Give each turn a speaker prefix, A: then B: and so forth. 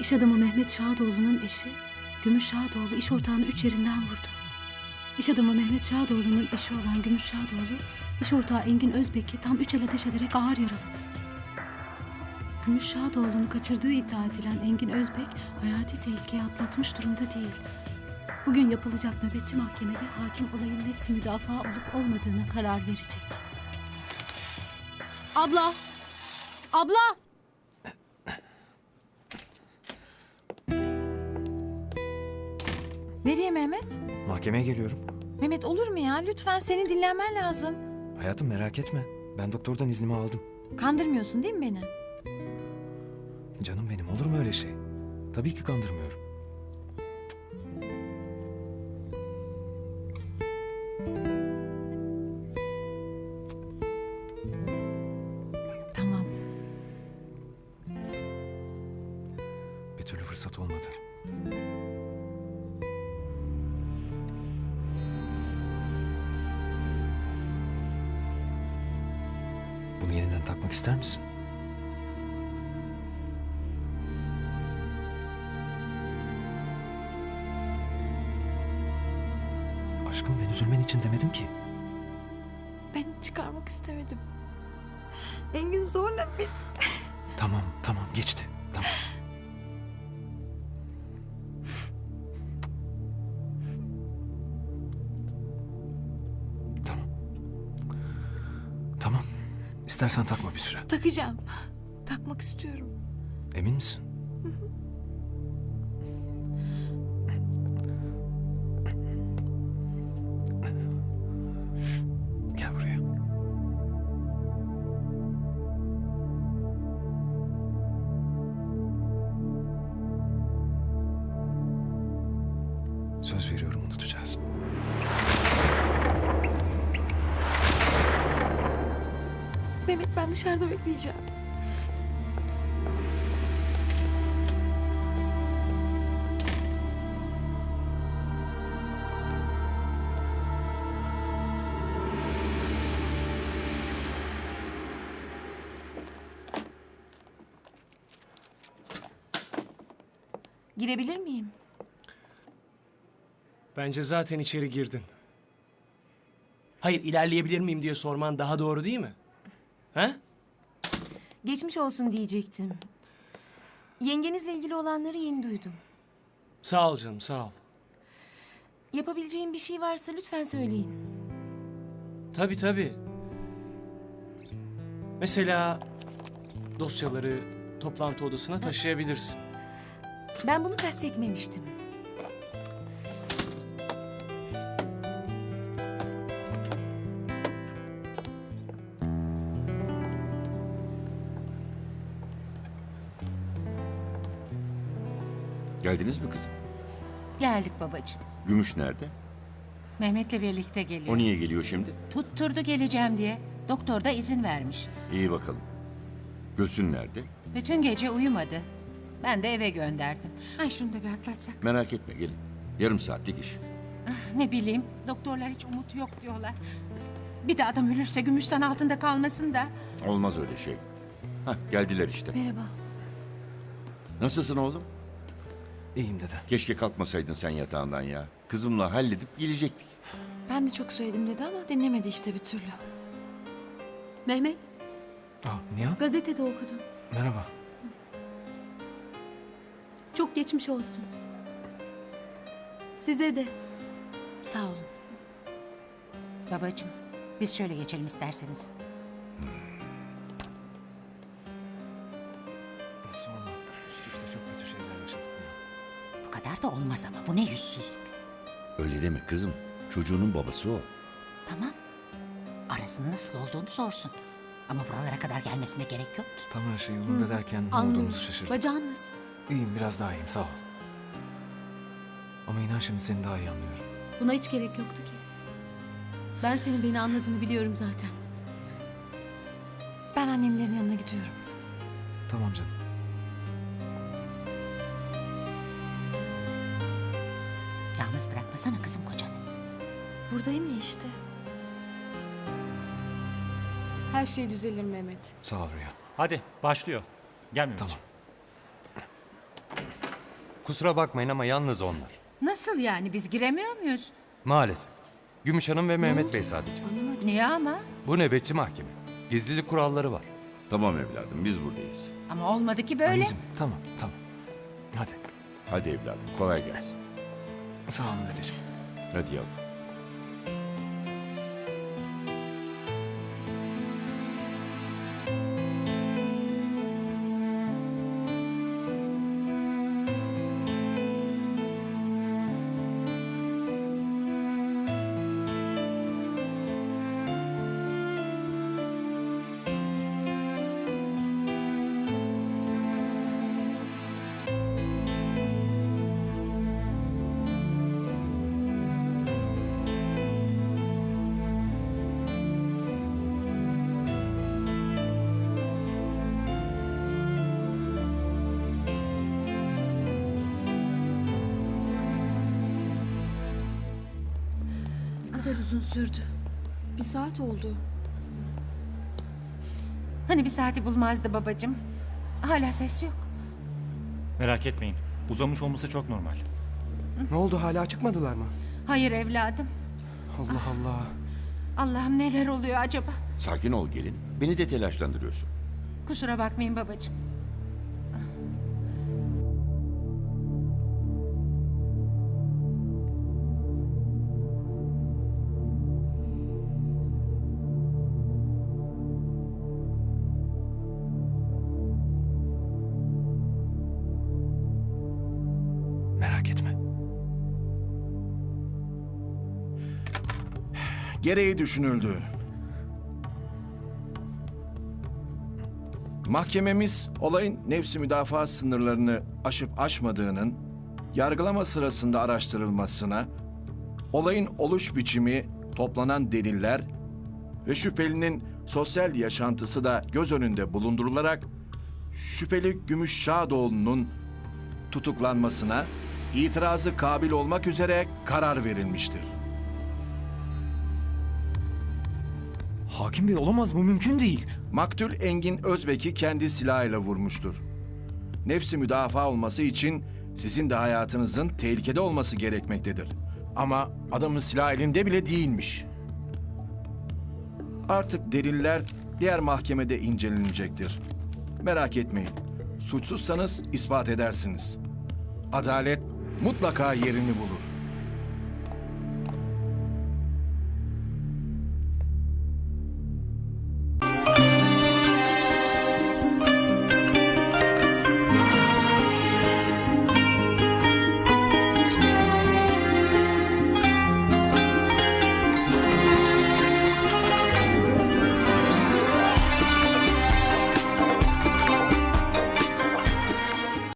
A: İş adamı Mehmet Şadoğlu'nun eşi Gümüş Şadoğlu iş ortağını 3 yerinden vurdu. İş adamı Mehmet Şadoğlu'nun eşi olan Gümüş Şadoğlu, iş ortağı Engin Özbek'i tam 3 el ateş ederek ağır yaraladı. Gümüş Şadoğlu'nu kaçırdığı iddia edilen Engin Özbek, hayati tehlikeyi atlatmış durumda değil. Bugün yapılacak nöbetçi mahkemede hakim olayın nefsi müdafaa olup olmadığına karar verecek. Abla! Abla!
B: Nereye Mehmet?
C: Mahkemeye geliyorum.
B: Mehmet olur mu ya? Lütfen senin dinlenmen lazım.
C: Hayatım merak etme. Ben doktordan iznimi aldım.
B: Kandırmıyorsun değil mi beni?
C: Canım benim, olur mu öyle şey? Tabii ki kandırmıyorum.
B: Tamam.
C: Bir türlü fırsat olmadı. Bunu yeniden takmak ister misin? Aşkım, ben üzülmen için demedim ki.
B: Ben çıkarmak istemedim. Engin zorla bir...
C: Tamam, tamam, geçti. Tamam. Tamam. Tamam. İstersen takma bir süre.
B: Takacağım. Takmak istiyorum.
C: Emin misin? Gel buraya. Söz veriyorum, unutacağız.
B: Mehmet ben dışarıda bekleyeceğim. Girebilir miyim?
D: Bence zaten içeri girdin. Hayır, ilerleyebilir miyim diye sorman daha doğru değil mi? Ha?
E: Geçmiş olsun diyecektim. Yengenizle ilgili olanları yeni duydum.
D: Sağ ol canım, sağ ol.
E: Yapabileceğim bir şey varsa lütfen söyleyin.
D: Tabii tabii. Mesela dosyaları toplantı odasına taşıyabilirsin.
E: Ben bunu kastetmemiştim.
F: Geldiniz mi kızım?
G: Geldik babacığım.
F: Gümüş nerede?
G: Mehmet'le birlikte geliyor.
F: O niye geliyor şimdi?
G: Tutturdu geleceğim diye. Doktor da izin vermiş.
F: İyi bakalım. Gülsün nerede?
G: Bütün gece uyumadı. Ben de eve gönderdim. Ay şunu da bir atlatsak.
F: Merak etme, gelin. Yarım saatlik iş.
G: Ne bileyim, doktorlar hiç umut yok diyorlar. Bir de adam ölürse Gümüşten altında kalmasın da.
F: Olmaz öyle şey. Hah, geldiler işte.
B: Merhaba.
F: Nasılsın oğlum?
C: İyiyim dede.
F: Keşke kalkmasaydın sen yatağından ya. Kızımla halledip gelecektik.
B: Ben de çok söyledim dedi ama dinlemedi işte bir türlü.
A: Mehmet,
C: Nihan,
A: gazetede okudum.
C: merhaba.
A: Çok geçmiş olsun. Size de.
B: Sağ olun.
G: Babacığım, biz şöyle geçelim isterseniz.
C: Sorma. Üst üste çok kötü şeyler yaşadık Nihan.
G: Bu kadar da olmaz ama bu ne yüzsüzlük.
F: Öyle deme kızım. Çocuğunun babası o.
G: Tamam. Arasının nasıl olduğunu sorsun. Ama buralara kadar gelmesine gerek yok ki.
C: Tam her şey yolunda derken ne
A: Anlıyorum.
C: olduğumuzu şaşırdık.
A: Bacağın nasıl?
C: İyiyim, biraz daha iyiyim, sağ ol. Ama inan şimdi seni daha iyi anlıyorum.
A: Buna hiç gerek yoktu ki. Ben senin beni anladığını biliyorum zaten.
B: Ben annemlerin yanına gidiyorum.
C: Tamam canım.
G: Yalnız bırakmasana kızım kocanı.
B: Buradayım ya işte.
A: Her şey düzelir Mehmet.
C: Sağ ol Rüya.
H: Hadi başlıyor. Gel Mehmetciğim.
C: Tamam.
H: Kusura bakmayın ama yalnız onlar.
G: Nasıl yani, biz giremiyor muyuz?
H: Maalesef. Gümüş Hanım ve Mehmet Bey sadece.
G: Niye ama?
H: Bu nöbetçi mahkeme. Gizlilik kuralları var.
F: Tamam evladım biz buradayız.
G: Ama olmadı ki böyle.
C: Anneciğim tamam. Hadi.
F: Hadi evladım kolay gelsin.
C: Sağ olun dedeciğim.
F: Hadi yavrum.
A: Ne kadar uzun sürdü.
B: Bir saat oldu.
G: Hani bir saati bulmazdı babacığım. Hala ses yok.
I: Merak etmeyin. Uzamış olması çok normal.
C: Ne oldu, hala çıkmadılar mı?
G: Hayır evladım.
C: Allah Allah.
G: Allah'ım neler oluyor acaba?
F: Sakin ol gelin. Beni de telaşlandırıyorsun.
G: Kusura bakmayın babacığım.
C: Merak etme.
J: Gereği düşünüldü. Mahkememiz olayın nefsi müdafaa sınırlarını aşıp aşmadığının yargılama sırasında araştırılmasına, olayın oluş biçimi, toplanan deliller ve şüphelinin sosyal yaşantısı da göz önünde bulundurularak şüpheli Gümüş Şadoğlu'nun tutuklanmasına itirazı kabil olmak üzere karar verilmiştir.
C: Hakim Bey olamaz, bu mümkün değil.
J: Maktul Engin Özbek'i kendi silahıyla vurmuştur. Nefsi müdafaa olması için sizin de hayatınızın tehlikede olması gerekmektedir. Ama adamın silah elinde bile değilmiş. Artık deliller diğer mahkemede incelenecektir. Merak etmeyin. Suçsuzsanız ispat edersiniz. Adalet mutlaka yerini bulur.